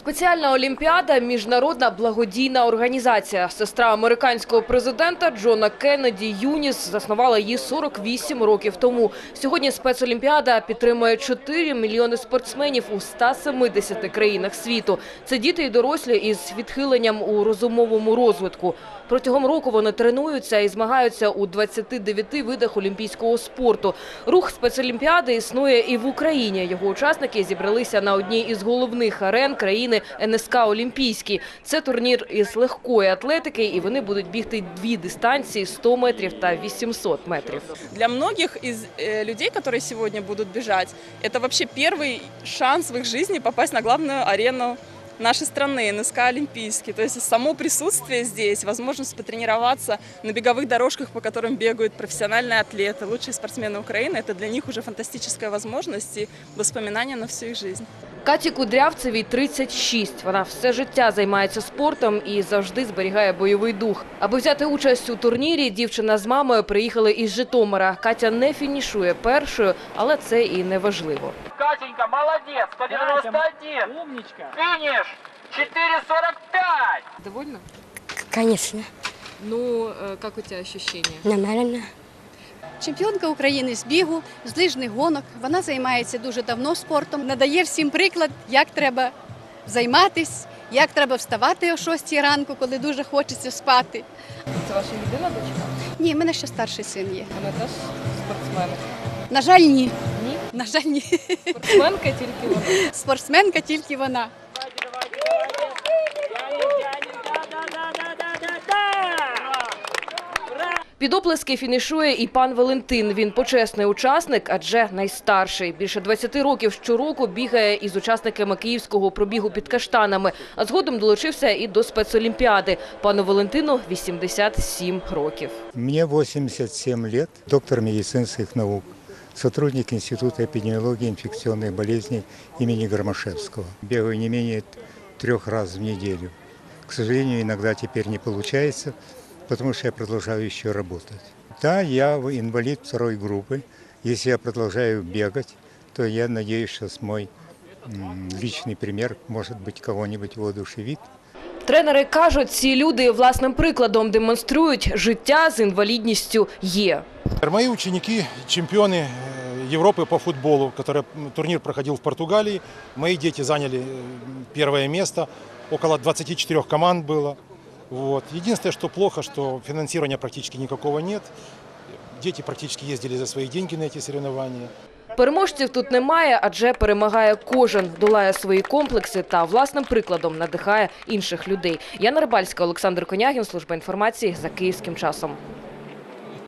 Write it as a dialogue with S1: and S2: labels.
S1: Спеціальна олімпіада – міжнародна благодійна організація. Сестра американського президента Джона Кеннеді Юніс заснувала її 48 років тому. Сьогодні спецолімпіада підтримує 4 мільйони спортсменів у 170 країнах світу. Це діти і дорослі із відхиленням у розумовому розвитку. Протягом року вони тренуються і змагаються у 29 видах олімпійського спорту. Рух спецолімпіади існує і в Україні. Його учасники зібралися на одній із головних арен країни НСК «Олімпійський». Це турнір із легкої атлетики, і вони будуть бігти дві дистанції – 100 метрів та 800 метрів.
S2: Для многих из людей, которые сегодня будут бежать, это вообще первый шанс в их жизни попасть на главную арену нашей страны, НСК «Олимпийский». То есть само присутствие здесь, возможность потренироваться на беговых дорожках, по которым бегают профессиональные атлеты, лучшие спортсмены Украины, это для них уже фантастическая возможность и воспоминания на всю их жизнь.
S1: Каті Кудрявцевій 36. Вона все життя займається спортом і завжди зберігає бойовий дух. Аби взяти участь у турнірі, дівчина з мамою приїхали із Житомира. Катя не фінішує першою, але це і не важливо.
S3: Катенька, молодец, 191.
S4: Умничка.
S3: Финиш 4:45.
S1: Довольна?
S5: Конечно,
S1: Ну, як у тебе відчуття?
S5: нормально.
S6: Чемпіонка України з бігу, з лижних гонок. Вона займається дуже давно спортом. Надає всім приклад, як треба займатися, як треба вставати о 6 ранку, коли дуже хочеться спати.
S1: Це ваша єдина дочка?
S6: Ні, в мене ще старший син є.
S1: Вона теж спортсменка?
S6: На жаль, ні.
S1: Ні?
S6: На жаль, ні.
S1: Спортсменка тільки вона?
S6: Спортсменка тільки вона.
S1: Під оплески фінішує і пан Валентин. Він почесний учасник, адже найстарший. Більше 20 років щороку бігає із учасниками київського пробігу під Каштанами. А згодом долучився і до спецолімпіади. Пану Валентину 87 років.
S7: Мне 87 лет, доктор медицинских наук, сотрудник Института эпидемиологии и инфекционных болезней имени Громашевского. Бегаю не менее 3 раз в неделю. К сожалению, иногда теперь не получается, потому что я продолжаю еще работать. Да, я инвалид 2 группы. Если я продолжаю бегать, то я надеюсь, что мой личный пример, может быть, кого-нибудь воодушевит.
S1: Тренери кажуть, ці люди власним прикладом демонструють, життя з інвалідністю є.
S8: Мои ученики – чемпионы Европы по футболу, турнир проходил в Португалии. Мои дети заняли 1 место, около 24 команд было. Вот. Единственное, что плохо, что финансирования практически никакого нет. Дети практически ездили за свои деньги на эти соревнования.
S1: Переможців тут немає, адже перемагає кожен, долає свої комплекси та власним прикладом надихає інших людей. Яна Рибальська, Олександр Конягін, служба інформації за Київським часом.